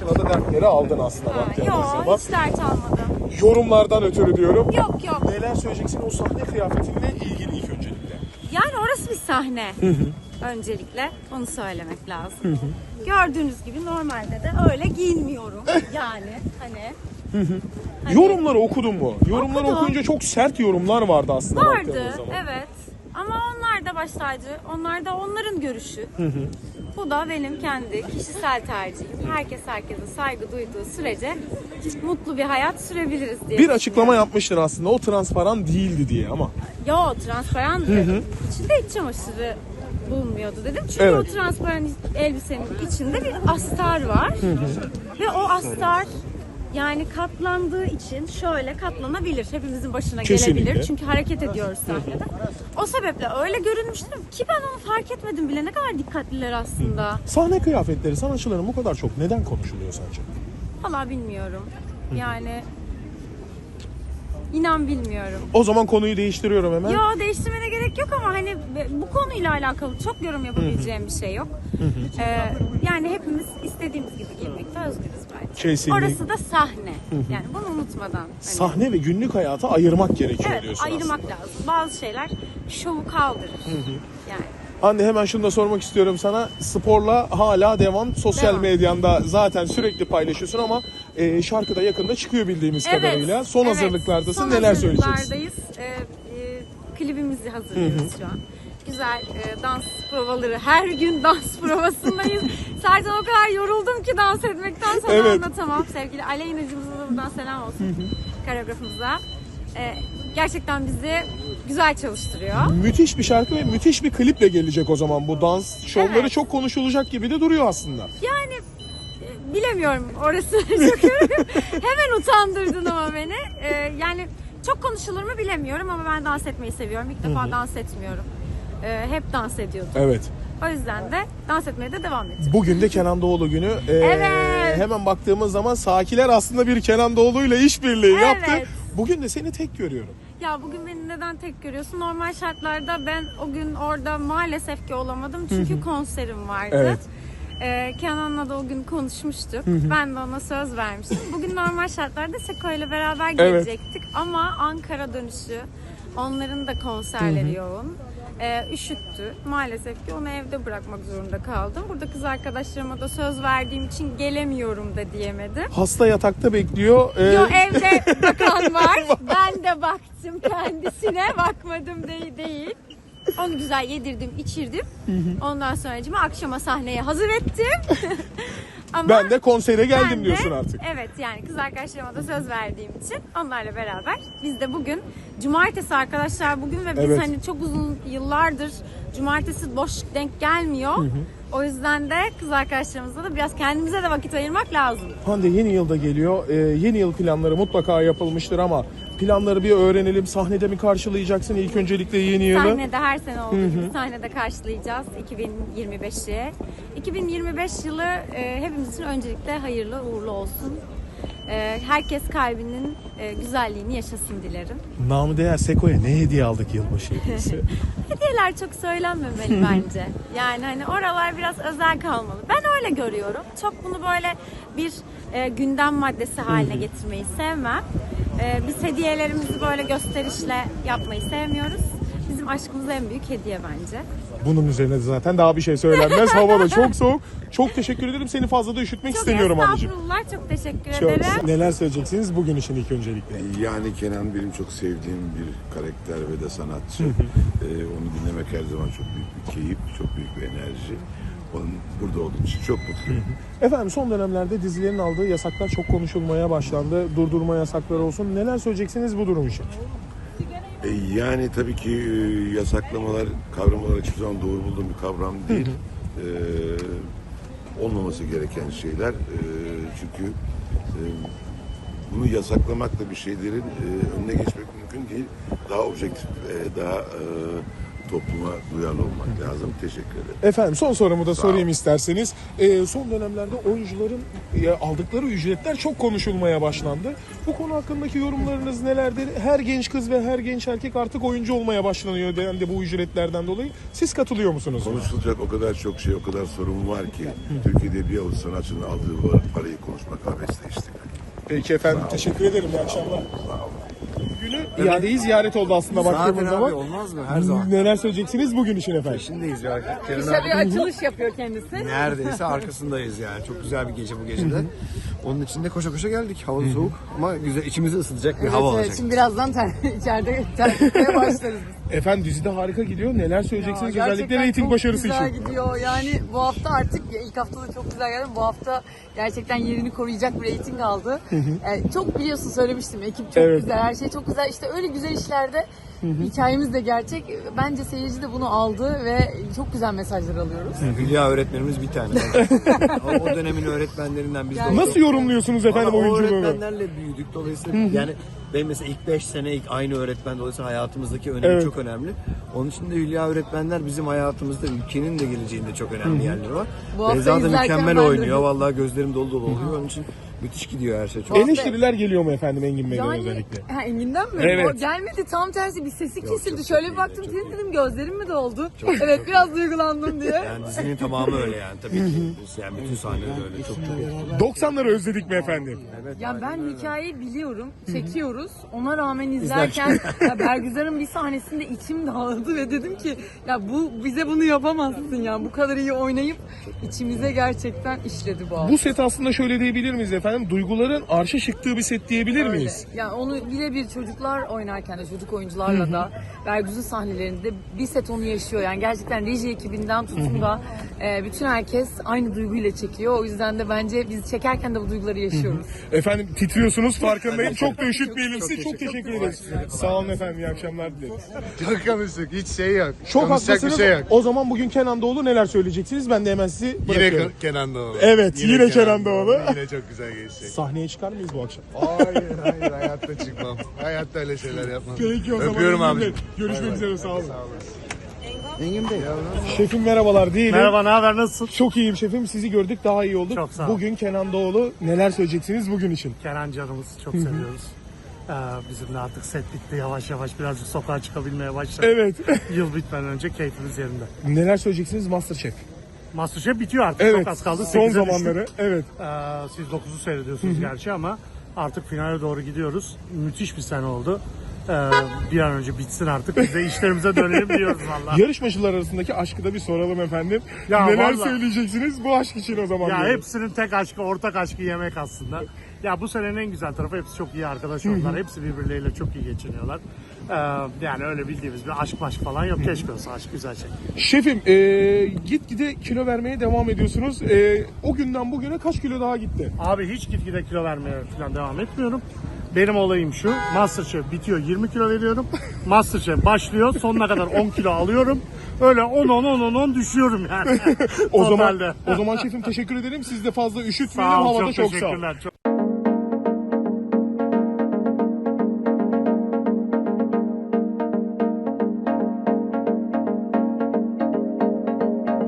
başına da dertleri aldın aslında baktığımız zaman. Yok, hiç dert almadım. Yorumlardan ötürü diyorum. Yok. Neler söyleyeceksin o sahne kıyafetinle ilgili ilk öncelikle? Yani orası bir sahne. Öncelikle onu söylemek lazım. Gördüğünüz gibi normalde de öyle giyinmiyorum. Yani hani Yorumları okudun mu? Yorumları Okudum. okuyunca çok sert yorumlar vardı aslında vardı, baktığımız zaman. evet. Ama onlar da baş tacı. Onlar da onların görüşü. Bu da benim kendi kişisel tercihim. Herkese saygı duyduğu sürece mutlu bir hayat sürebiliriz diye. Bir açıklama yapmıştın aslında o transparan değildi diye ama. Yo, transparandı. İçinde iç çamaşırı bulunmuyordu dedim. Çünkü Evet. o transparan elbisenin içinde bir astar var. Ve o astar yani katlandığı için şöyle katlanabilir. Hepimizin başına Kesinlikle. gelebilir. Çünkü hareket ediyoruz sahnede. O sebeple öyle görünmüştür ki ben onu fark etmedim bile. Ne kadar dikkatliler aslında. Sahne kıyafetleri sanatçıların bu kadar çok neden konuşuluyor sence? Vallahi bilmiyorum. Yani inan bilmiyorum. O zaman konuyu değiştiriyorum hemen. Yo, değiştirmene gerek yok ama hani bu konuyla alakalı çok yorum yapabileceğim bir şey yok. Yani hepimiz istediğimiz gibi giyinmekte özgürüz bence. Kesinlikle. Orası da sahne. Yani bunu unutmadan. Hani, Sahne ve günlük hayatı ayırmak gerekiyor evet, diyorsun ayırmak aslında. lazım. Bazı şeyler şovu kaldırır. Yani. Hande hemen şunu da sormak istiyorum sana. Sporla hala devam. Sosyal Devam. medyanda zaten sürekli paylaşıyorsun ama şarkı da yakında çıkıyor bildiğimiz kadarıyla. Son evet. hazırlıklardasın. Son Neler söyleyeceksin? hazırlıklardayız. Klibimizi hazırlıyoruz şu an. Güzel dans provaları, her gün dans provasındayız. Zaten o kadar yoruldum ki dans etmekten sana Evet. anlatamam. Sevgili Aleyna'cımıza da buradan selam olsun. Koreografımıza. Gerçekten bizi güzel çalıştırıyor. Müthiş bir şarkı ve müthiş bir kliple gelecek o zaman. Bu dans şovları Evet. çok konuşulacak gibi de duruyor aslında. Yani bilemiyorum orası. Çok hemen utandırdın ama beni. Yani çok konuşulur mu bilemiyorum ama ben dans etmeyi seviyorum. İlk defa dans etmiyorum. Hep dans ediyordum. Evet. O yüzden de dans etmeye de devam edeceğim. Bugün de Kenan Doğulu günü. Evet. Hemen baktığımız zaman Sakiler aslında bir Kenan Doğulu ile işbirliği Evet. yaptı. Bugün de seni tek görüyorum. Ya bugün beni neden tek görüyorsun? Normal şartlarda ben o gün orada maalesef ki olamadım. Çünkü konserim vardı. Evet. Kenan'la da o gün konuşmuştuk. Ben de ona söz vermiştim. Bugün normal şartlarda Seko ile beraber gelecektik. Ama Ankara dönüşü onların da konserleri yoğun. Üşüttü. Maalesef ki onu evde bırakmak zorunda kaldım. Burada kız arkadaşlarıma da söz verdiğim için gelemiyorum da diyemedim. Hasta yatakta bekliyor. Yo, evde bakan var. Ben de baktım kendisine. Bakmadım değil. Onu güzel yedirdim, içirdim. Ondan sonra akşama sahneye hazır ettim. Ama Ben de konsere geldim ben de- diyorsun artık. Evet, yani kız arkadaşlarıma da söz verdiğim için onlarla beraber biz de bugün cumartesi arkadaşlar bugün ve biz Evet. hani çok uzun yıllardır cumartesi boş denk gelmiyor. O yüzden de kız arkadaşlarımızla da biraz kendimize de vakit ayırmak lazım. Hande yeni yılda geliyor. Yeni yıl planları mutlaka yapılmıştır ama planları bir öğrenelim. Sahnede mi karşılayacaksın ilk öncelikle yeni yılı? Sahnede her sene olduğu gibi sahnede karşılayacağız 2025'i. 2025 yılı hepimiz için öncelikle hayırlı uğurlu olsun. Herkes kalbinin güzelliğini yaşasın dilerim. Namı değer Seko'ya ne hediye aldık yılbaşı hediyesi? Hediyeler çok söylenmemeli bence. Yani hani oralar biraz özel kalmalı. Ben öyle görüyorum. Çok bunu böyle bir gündem maddesi haline getirmeyi sevmem. Biz hediyelerimizi böyle gösterişle yapmayı sevmiyoruz. Bizim aşkımız en büyük hediye bence. Bunun üzerine de zaten daha bir şey söylenmez. Hava da çok soğuk. Çok teşekkür ederim. Seni fazla da üşütmek istemiyorum anneciğim. Estağfurullah, çok teşekkür Çok. ederim. Neler söyleyeceksiniz bugün için ilk öncelikle? Yani Kenan benim çok sevdiğim bir karakter ve de sanatçı. Onu dinlemek her zaman çok büyük bir keyif, çok büyük bir enerji. Onun burada olduğum için çok mutluyum. Efendim son dönemlerde dizilerin aldığı yasaklar çok konuşulmaya başlandı. Durdurma yasakları olsun. Neler söyleyeceksiniz bu durum için? Yani tabii ki yasaklamalar kavram olarak hiçbir zaman doğru bulduğum bir kavram değil. Olmaması gereken şeyler. Çünkü bunu yasaklamakla bir şeylerin önüne geçmek mümkün değil. Daha objektif, daha topluma duyarlı olmak lazım. Teşekkür ederim. Efendim son sorumu da Sağ sorayım olun. isterseniz. Son dönemlerde oyuncuların aldıkları ücretler çok konuşulmaya başlandı. Bu konu hakkındaki yorumlarınız nelerdir? Her genç kız ve her genç erkek artık oyuncu olmaya başlanıyor dendi bu ücretlerden dolayı. Siz katılıyor musunuz? Konuşulacak o kadar çok şey, o kadar sorun var ki Türkiye'de bir avuç sanatçının aldığı parayı konuşmak abesle işte. Peki efendim, teşekkür ederim. İyi akşamlar. Günü iadeyi ziyaret oldu aslında baktığımız Zaten zaman. abi olmaz mı? Her zaman. Neler söyleyeceksiniz bugün için efendim? Peşindeyiz ya. Kenan İşte bir abi açılış yapıyor kendisi. neredeyse arkasındayız yani. Çok güzel bir gece bu gecede. Onun için de koşa koşa geldik. Hava soğuk ama güzel, içimizi ısıtacak bir hava olacak. Şimdi birazdan içeride terlemeye başlarız. Efendim dizide harika gidiyor. Neler söyleyeceksiniz Ya, özellikle gerçekten reyting çok başarısı güzel için? gidiyor. Yani bu hafta artık ilk haftada çok güzel geldi. Bu hafta gerçekten yerini koruyacak bir reyting aldı. Çok biliyorsun söylemiştim. Ekip çok Evet. güzel, her şey çok güzel. İşte öyle güzel işlerde hikayemiz de gerçek. Bence seyirci de bunu aldı ve çok güzel mesajlar alıyoruz. Hülya öğretmenimiz bir tane. o dönemin öğretmenlerinden biz de Yani olduk. Nasıl yorumluyorsunuz efendim Valla o oyunculuğunu? öğretmenlerle büyüdük. Dolayısıyla yani benim mesela ilk 5 sene ilk aynı öğretmen, dolayısıyla hayatımızdaki önemi Evet. çok önemli. Onun için de Hülya öğretmenler bizim hayatımızda, ülkenin de geleceğinde çok önemli yerleri var. Bu hafta Beyza da izlerken mükemmel ben de- oynuyor. Vallahi gözlerim dolu dolu oluyor. Onun için müthiş gidiyor her şey. Çok Eleştiriler geliyor mu efendim Engin Bey'den Yani özellikle? Engin'den mi? Evet. O gelmedi, tam tersi bir sesi kesildi. çok Şöyle iyi, bir baktım, çok iyi. dedim gözlerim mi doldu? Evet, biraz duygulandım diye. Yani dizinin tamamı öyle yani tabii ki. Yani bütün sahneler öyle. Çok çok. 90'ları özledik mi efendim? Ya ben hikayeyi biliyorum, çekiyoruz. Ona rağmen izlerken ya Bergüzar'ın bir sahnesinde içim dağıldı ve dedim ki ya bize bunu yapamazsın ya. Bu kadar iyi oynayıp içimize gerçekten işledi bu hafta. Bu set aslında şöyle diyebilir miyiz efendim? Duyguların arşa çıktığı bir set diyebilir Öyle. miyiz? Yani onu birebir çocuklar oynarken de çocuk oyuncularla da Bergüz'ün sahnelerinde bir set onu yaşıyor. Yani gerçekten reji ekibinden tutun da bütün herkes aynı duyguyla çekiyor. O yüzden de bence biz çekerken de bu duyguları yaşıyoruz. Efendim titriyorsunuz farkındayım. Çok da üşütmeyelim sizi. Çok teşekkür ederiz. Sağ olun efendim. İyi akşamlar dileriz. Çok konuştuk. Hiç şey yok. Çok Konuşacak haklısınız. bir şey yok. O zaman bugün Kenan Doğulu neler söyleyeceksiniz? Ben de hemen sizi Yine bırakıyorum. Kenan Doğulu. Evet, yine Kenan Doğulu. Yine çok güzel geçecek. Sahneye çıkar mıyız bu akşam? Hayır hayatta çıkmam. Hayatta öyle şeyler yapmam. Peki o zaman. Öpüyorum Engin Bey. abi. Görüşmek üzere sağ olun. Engin Bey. Şefim merhabalar değilim. Merhaba, ne haber, nasılsın? Çok iyiyim şefim. Sizi gördük daha iyi olduk. Çok sağ ol. Bugün Kenan Doğulu neler söyleyeceksiniz bugün için? Kenan canımız, çok seviyoruz. Bizim de artık set bitti, yavaş yavaş birazcık sokağa çıkabilmeye başladık. Evet. Yıl bitmeden önce keyfimiz yerinde. neler söyleyeceksiniz Masterchef? Masterchef bitiyor artık, Evet. çok az kaldı. Son 8'e zamanları. düştük. Evet. Siz 9'u seyrediyorsunuz gerçi ama artık finale doğru gidiyoruz. Müthiş bir sene oldu. Bir an önce bitsin artık, biz de işlerimize dönelim diyoruz valla. Yarışmacılar arasındaki aşkı da bir soralım efendim. Ya neler vallahi. söyleyeceksiniz bu aşk için o zaman? Ya diyorum. hepsinin tek aşkı, ortak aşkı yemek aslında. Ya bu senenin en güzel tarafı, hepsi çok iyi arkadaş oldular. Hepsi birbirleriyle çok iyi geçiniyorlar. Yani öyle bildiğimiz bir aşk falan yok. Keşke olsa, aşk güzel şey. Şefim gitgide kilo vermeye devam ediyorsunuz. O günden bugüne kaç kilo daha gitti? Abi hiç gitgide kilo vermeye falan devam etmiyorum. Benim olayım şu: Masterchef bitiyor, 20 kilo veriyorum. Masterchef başlıyor, sonuna kadar 10 kilo alıyorum. Öyle 10 düşüyorum yani. O Totalde. zaman şefim teşekkür ederim. Siz de fazla üşütmeyelim. Sağ ol, Havada çok çok sağ ol. teşekkürler. Çok...